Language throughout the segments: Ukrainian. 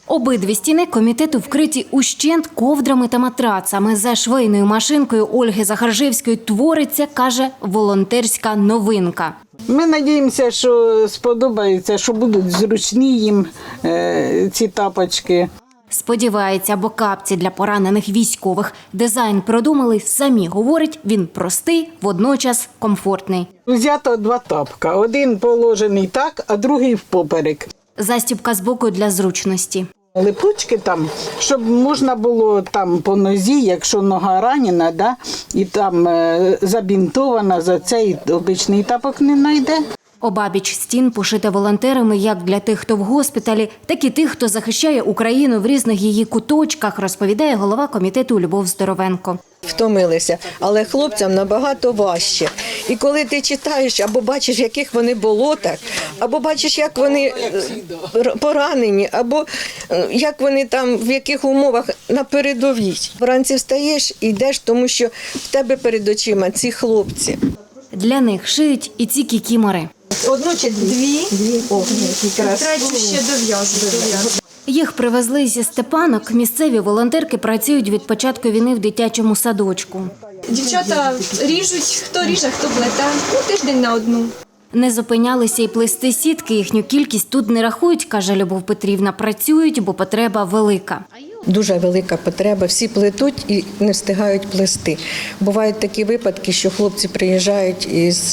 Обидві стіни комітету вкриті ущент ковдрами та матрацами. За швейною машинкою Ольги Захаржевської твориться, каже, волонтерська новинка. Ми сподіваємося, що сподобається, що будуть зручні їм ці тапочки. Сподівається, бо капці для поранених військових. Дизайн продумали самі. Говорить, він простий, водночас комфортний. Взято 2 тапка. Один положений так, а другий впоперек. Застібка збоку для зручності. Липучки там, щоб можна було там по нозі, якщо нога ранена, да, і там забінтована, за цей обичний тапок не знайде. Обабіч стін пошите волонтерами як для тих, хто в госпіталі, так і тих, хто захищає Україну в різних її куточках, розповідає голова комітету Любов Здоровенко. Втомилися, але хлопцям набагато важче. І коли ти читаєш або бачиш, в яких вони болотах, або бачиш, як вони поранені, або як вони там, в яких умовах на передовій. Вранці встаєш і йдеш, тому що в тебе перед очима ці хлопці. Для них шиють і ці кікімори. Одну чи дві. Третю ще дов'язую. Їх привезли зі Степанок. Місцеві волонтерки працюють від початку війни в дитячому садочку. Дівчата ріжуть, хто ріже, хто плете. Тиждень на одну. Не зупинялися і плести сітки. Їхню кількість тут не рахують, каже Любов Петрівна. Працюють, бо потреба велика. Дуже велика потреба. Всі плетуть і не встигають плести. Бувають такі випадки, що хлопці приїжджають із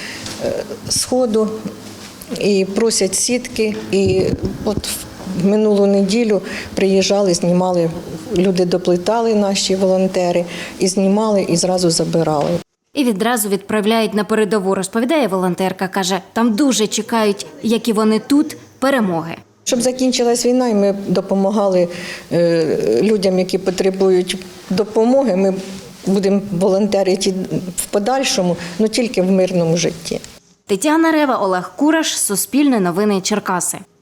Сходу і просять сітки. І от в минулу неділю приїжджали, знімали, люди доплетали, наші волонтери, і знімали, і зразу забирали. І відразу відправляють на передову, розповідає волонтерка. Каже, там дуже чекають, як і вони тут, перемоги. Щоб закінчилась війна і ми допомагали людям, які потребують допомоги, ми будемо волонтерити в подальшому, але тільки в мирному житті. Тетяна Рева, Олег Кураш, Суспільне новини Черкаси.